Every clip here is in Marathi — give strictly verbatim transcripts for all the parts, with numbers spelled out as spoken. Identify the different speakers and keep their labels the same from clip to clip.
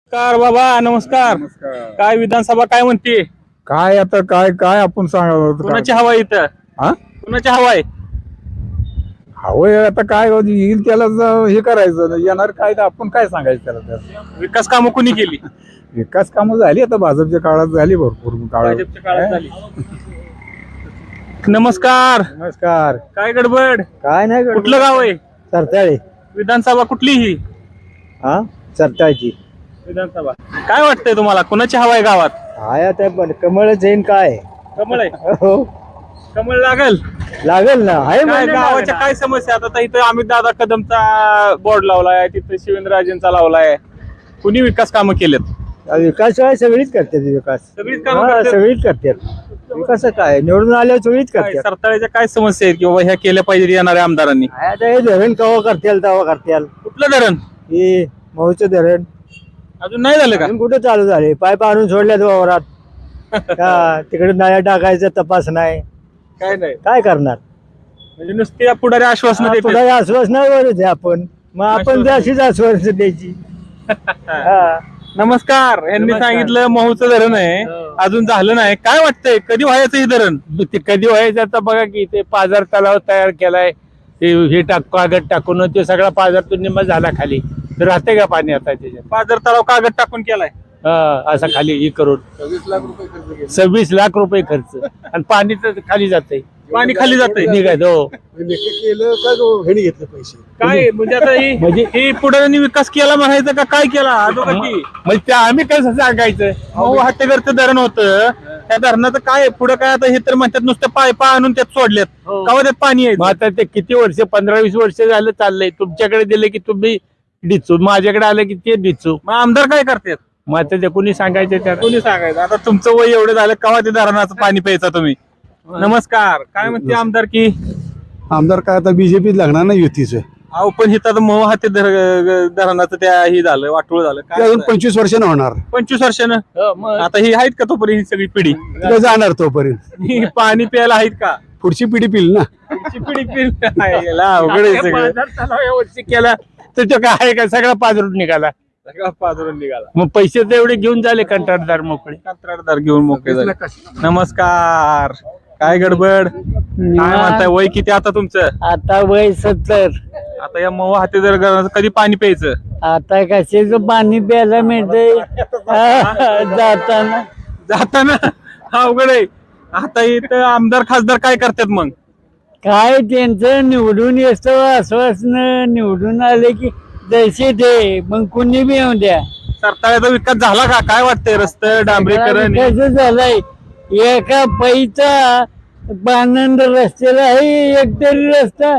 Speaker 1: नमस्कार बाबा, नमस्कार. काय विधानसभा काय म्हणते?
Speaker 2: काय आता काय काय आपण सांगावं
Speaker 1: कुणाची हवा आहे इथं?
Speaker 2: हा
Speaker 1: कुणाची हवा आहे?
Speaker 2: हवंय आता काय येईल त्याला ज- हे करायचं येणार काय तर आपण काय सांगायचं त्याला तर
Speaker 1: विकास कामं कुणी केली?
Speaker 2: विकास कामं झाली आता भाजपच्या काळात झाली भरपूर काळ
Speaker 1: भाजपच्या काळात झाली. नमस्कार.
Speaker 2: नमस्कार.
Speaker 1: काय गडबड?
Speaker 2: काय नाही
Speaker 1: कुठलं गाव आहे?
Speaker 2: सरताळे.
Speaker 1: विधानसभा कुठली ही?
Speaker 2: हा सरताळची.
Speaker 1: विधानसभा काय वाटतंय तुम्हाला? कुणाची हवा आहे गावात?
Speaker 2: काय आता पण कमळ जैन काय
Speaker 1: कमळ आहे.
Speaker 2: हो
Speaker 1: कमळ लागल.
Speaker 2: लागेल ना आहे
Speaker 1: काय गावाच्या काय समस्या? आता इथं अमित दादा कदमचा बोर्ड लावलाय, तिथं शिवेंद्रराजेंचा लावलाय. कुणी विकास कामं केलेत?
Speaker 2: विकास सगळीच करतात विकास
Speaker 1: सगळीच कामं करतात.
Speaker 2: सगळीच करतात विकास काय निवडून आल्यावर सगळीच
Speaker 1: काय
Speaker 2: करतात
Speaker 1: सरताळ्याच्या काय समस्या आहेत की बाबा ह्या केल्या पाहिजे येणाऱ्या आमदारांनी?
Speaker 2: आता हे धरण कवा करतील तवा करतील
Speaker 1: कुठलं धरण?
Speaker 2: हे मऊचं धरण
Speaker 1: अजून नाही झालं का?
Speaker 2: अजून कुठे चालू झाले पाईप आणून सोडल्यात वावरात का तिकडे नळ्या टाकायचा तपास नाही
Speaker 1: काय नाही,
Speaker 2: काय करणार
Speaker 1: म्हणजे नुसती पुढारी आश्वासन देते.
Speaker 2: पुढे आश्वासनावरच आहे आपण मग आपण ते अशीच आश्वासन द्यायची हा.
Speaker 1: नमस्कार. यांनी
Speaker 2: नमस्कार.
Speaker 1: सांगितलं महूचं धरण आहे, अजून झालं नाही. काय वाटतंय कधी व्हायचं हे धरण?
Speaker 3: ते कधी व्हायचं आता बघा की ते पाझर तलाव तयार केलाय ते हे टाक कागद टाकून ते सगळा पाझर तो निम्मा झाला खाली तर राहते का पाणी आता त्याच्यात
Speaker 1: पाझर तलाव कागद टाकून केलाय.
Speaker 3: हा, असा खाली हे करून सव्वीस लाख रुपये खर्च आणि पाणी तर खाली जाते
Speaker 1: पाणी खाली जातंय.
Speaker 3: निघायचं हो
Speaker 2: केलं का हेने घेतले पैसे
Speaker 1: काय म्हणजे आता ही
Speaker 3: म्हणजे-
Speaker 1: ही पुढाऱ्यांनी विकास केला म्हणायचं का काय केला? अधोगती.
Speaker 3: म्हणजे ते आम्ही कसं सांगायचं
Speaker 1: मऊ हत्तेकरचं धरण होतं, त्या धरणाचं काय पुढे काय? आता हे तर म्हणतात नुसतं पायपा आणून त्यात सोडल्यात.
Speaker 3: हो.
Speaker 1: कवा त्यात पाणी
Speaker 3: मग
Speaker 1: आहे?
Speaker 3: आता ते किती वर्ष पंधरा वीस वर्ष झालं चाललंय तुमच्याकडे दिले की तुम्ही डिचू माझ्याकडे आलं की ते डिचू
Speaker 1: मग आमदार काय करतात?
Speaker 3: मग आता ते कुणी सांगायचं त्याला
Speaker 1: कोणी सांगायचं? आता तुमचं वय एवढं झालं, कवा ते धरणाचं पाणी प्यायचा तुम्ही? नमस्कार. काय म्हणते आमदार की?
Speaker 2: आमदार काय आता बीजेपीत लागणार ना युतीच
Speaker 1: अहो पण हिथं आता मऊ हाती धरणाचं त्या ही झालं, वाटोळ झालं. काय
Speaker 2: अजून पंचवीस वर्षानं होणार
Speaker 1: पंचवीस वर्षानं
Speaker 3: हो, मग
Speaker 1: आता ही आहेत का तोपर्यंत ही सगळी पिढी?
Speaker 2: तिकडे जाणार तोपर्यंत
Speaker 1: ही पाणी प्यायला आहेत का?
Speaker 2: पुढची पिढी पिल ना
Speaker 1: पुढची पिढी पिढी अवघड आहे सगळं.
Speaker 3: पाझर तलाव यावर्षी केला तर तो काय आहे का सगळा पाझरून निघाला
Speaker 1: सगळा पाजरून निघाला.
Speaker 3: मग पैसे तर एवढे घेऊन झाले कंत्राटदार मोकळे
Speaker 1: कंत्राटदार घेऊन मोकळे झाले. नमस्कार. काय गडबड? काय म्हणताय? वय किती आता तुमचं?
Speaker 4: आता वय सत्तर.
Speaker 1: आता या मऊ हाती जर कधी पाणी प्यायचं?
Speaker 4: आता कशाच पाणी प्यायला मिळतंय जाताना
Speaker 1: जाताना अवघड आहे. आता इथं आमदार खासदार काय करतात मग?
Speaker 4: काय त्यांचं निवडून येतो आश्वासन निवडून आले की जैसे ते मग कुणी बी येऊ द्या.
Speaker 1: सरताळ्याचा विकास झाला का? काय वाटतंय? रस्ते डांबरीकरण
Speaker 4: कसं झालंय एका पैचा पानंद रस्त्याला आहे एक तरी रस्ता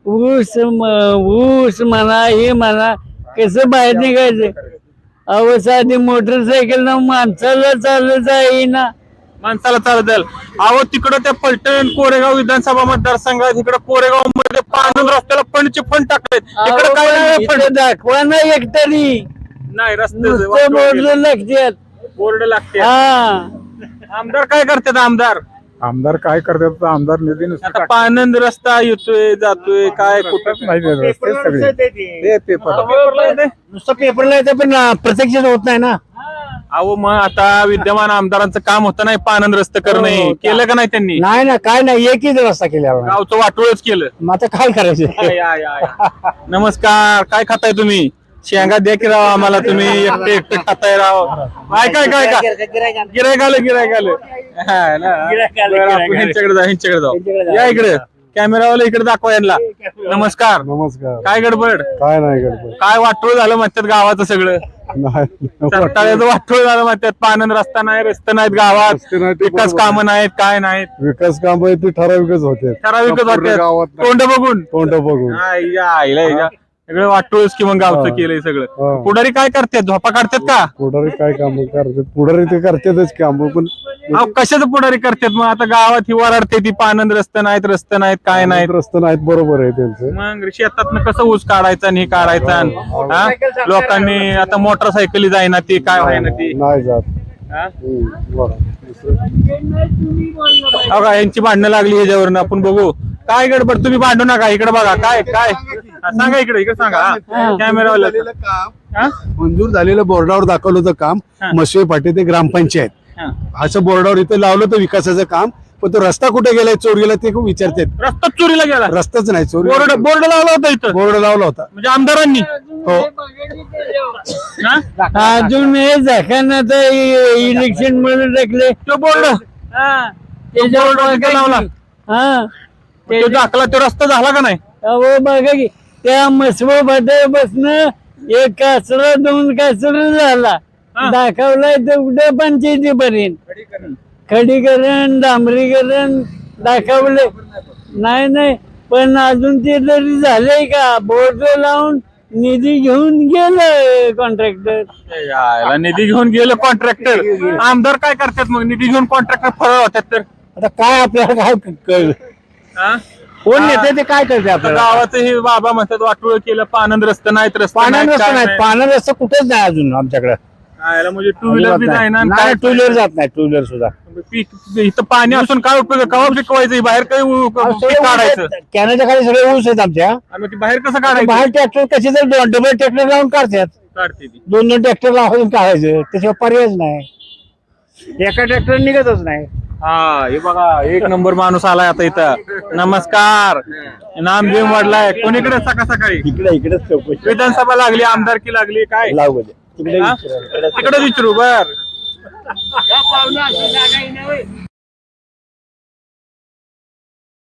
Speaker 4: ऊस म- ऊस म्हणा हे म्हणा कसं बाहेर निघायचं अहो साधी मोटरसायकल ना माणसाला चालत जाईना
Speaker 1: माणसाला चालत जाईल. अहो तिकडं त्या पलटण कोरेगाव विधानसभा मतदारसंघात इकडे कोरेगाव मध्ये पानून रस्त्याला फंडचे फंड टाकलेत. इकडे काय नाही फंड.
Speaker 4: इथं दाखवा ना एक तरी
Speaker 1: नाही रस्ते
Speaker 4: नुसतं बोर्ड लागतात
Speaker 1: बोर्ड लागते.
Speaker 4: हा
Speaker 1: आमदार काय करतात? आमदार
Speaker 2: आमदार काय करतात आमदार निधी
Speaker 1: आता पानंद रस्ता येतोय जातोय काय कुठं
Speaker 2: माहिती सगळे ते पेपर
Speaker 1: पेपरला येतंय?
Speaker 4: नुसतं पेपरला येतं पण प्रत्यक्ष होत नाही ना.
Speaker 1: अहो मग आता विद्यमान आमदारांचं काम होतं नाही पानंद रस्ते करणे, केलं का नाही त्यांनी?
Speaker 4: नाही ना काय नाही एकच रस्ता केल्यावर
Speaker 1: गावचं वाटोळच केलं.
Speaker 4: मग आता काय करायचं
Speaker 1: या, या, या. नमस्कार. काय खाताय तुम्ही? शेंगा द्या की राव आम्हाला. तुम्ही एकटे एकटे खाताय राव. काय काय काय काय गिरायक आलं गिरायक आलं. हा ना. बरं, आपण ह्यांच्याकडे जाऊ ह्यांच्याकडे जाऊ. या इकडे कॅमेरावाला इकडे दाखवा यांना. नमस्कार.
Speaker 2: नमस्कार
Speaker 1: काय गडबड?
Speaker 2: काय नाही गडबड
Speaker 1: काय वाटोळ झालं म्हणतात गावाचं सगळं?
Speaker 2: नाही
Speaker 1: सरताळ्याचं वाटोळ झालं म्हणतात. पानंद रस्ता नाही, रस्ते नाहीत गावात,
Speaker 2: रस्ते नाहीत, ते
Speaker 1: विकास
Speaker 2: बरोबर.
Speaker 1: कामं नाहीत, काय नाहीत.
Speaker 2: विकास काम आहे ते ठराविकच होते
Speaker 1: ठराविकच
Speaker 2: पूर्ण
Speaker 1: होत्यात.
Speaker 2: गावात नाही.
Speaker 1: तोंड बघून
Speaker 2: तोंड बघून
Speaker 1: आई, आईला हिच्या. सगळं वाटोळच की मग गावचं
Speaker 2: हा.
Speaker 1: केलंय सगळं.
Speaker 2: हा.
Speaker 1: पुढारी काय करतात? झोपा काढतात का?
Speaker 2: पुढारी काय काम करतात पुढारी ते करतातच काम पण
Speaker 1: अहो कशाचं पुढारी करतात मग? आता गावात ही वराडते ती पानंद रस्ते नाहीत, रस्ते नाहीत, काय नाहीत.
Speaker 2: रस्ते नाहीत बरोबर आहे त्यांचं
Speaker 1: मग शेतात कसं ऊस काढायचा आणि हे काढायचा आणि, हा? लोकांनी आता मोटरसायकली जाईना ती काय व्हायना ती,
Speaker 2: नाही जात
Speaker 1: हा?
Speaker 2: हम्म, बरं. दुसरं-
Speaker 1: अहो का यांची भांडणं लागली ह्याच्यावरनं आपण बघू काय गडबड तुम्ही भांडू नका इकडे बघा काय काय हा, सांगा इकडे इकडे सांगा कॅमेरावाला
Speaker 5: झालेलं काम
Speaker 1: हा?
Speaker 5: मंजूर झालेलं बोर्डावर दाखवलं होतं काम
Speaker 1: हा.
Speaker 5: मसवे फाटे ते ग्रामपंचायत
Speaker 1: हा.
Speaker 5: असं बोर्डावर इथं लावलं होतं विकासाचं काम पण तो रस्ता कुठे गेलाय चोरीला ते खूप विचारतात
Speaker 1: रस्ता चोरीला गेला
Speaker 5: रस्ताच नाही चोरी
Speaker 1: बोर्ड बोर्ड लावला होता इथं
Speaker 5: बोर्ड लावला होता
Speaker 1: म्हणजे आमदारांनी
Speaker 5: हो
Speaker 1: हा?
Speaker 4: अजून हे झाकांना तर इलेक्शन मध्ये टाकले
Speaker 1: तो बोर्ड
Speaker 4: त्याच्यावर
Speaker 1: बोर्ड तिथं लावला
Speaker 4: हा
Speaker 1: तो दाखला तो रस्ता झाला का नाही
Speaker 4: अहो बघा की त्या मसवा फाट्यापासून एक कासरा दोन कासरा झाला
Speaker 1: हा.
Speaker 4: दाखवलाय तर कुठे पंचायतीपर्यंत खडीकरण डांबरीकरण दाखवले नाही नाही पण अजून ते तरी झालंय का बोर्ड लावून निधी घेऊन गेलं कॉन्ट्रॅक्टर
Speaker 1: यायला निधी घेऊन गेलं कॉन्ट्रॅक्टर आमदार काय करतात मग निधी घेऊन कॉन्ट्रॅक्टर फरळ होतात तर
Speaker 5: आता काय आपल्याला काय कळलं
Speaker 1: हा?
Speaker 5: कोण नेते ते काय करते
Speaker 1: आता
Speaker 5: आपल्याला
Speaker 1: गावाचं हे बाबा म्हणतात वाटोळ केलं पानंद रस्ते नाहीत रस्ते
Speaker 5: पाण्यात
Speaker 1: नाहीत,
Speaker 5: रस्ता
Speaker 1: काय
Speaker 5: नाही
Speaker 1: नाही.
Speaker 5: पाण्यात रस्ता कुठेच नाही अजून आमच्याकडे
Speaker 1: यायला म्हणजे टू व्हीलर बी नाही ना आणि काय
Speaker 5: टू व्हीलर जात नाही टू व्हीलर सुद्धा
Speaker 1: पीक इथं पाणी असून काय उपयोग कवा पिकवायचं बाहेर काही उ- पीक काढायचं
Speaker 5: कॅनच्या खाली सगळे ऊस आहेत आमच्या
Speaker 1: आणि मग ते बाहेर कसं काढायचं
Speaker 5: बाहेर ट्रॅक्टर कसे तर दोन डबल ट्रॅक्टर लावून काढतात
Speaker 1: काढते ती
Speaker 5: दोन दोन ट्रॅक्टर लावून काढायचं त्याच्यावर पर्यायच नाही एका ट्रॅक्टर निघतच नाही
Speaker 1: हा हे बघा एक नंबर माणूस आलाय आता इथं नमस्कार नाम घेऊन वाढलाय कोणीकडे सकाळ सकाळी
Speaker 5: इकडे इकडेच चौकशी
Speaker 1: विधानसभा लागली आमदारकी लागली काय
Speaker 5: लावू दे. तिकडे
Speaker 1: हा?
Speaker 5: विचारा.
Speaker 1: तिकडे विचारू बर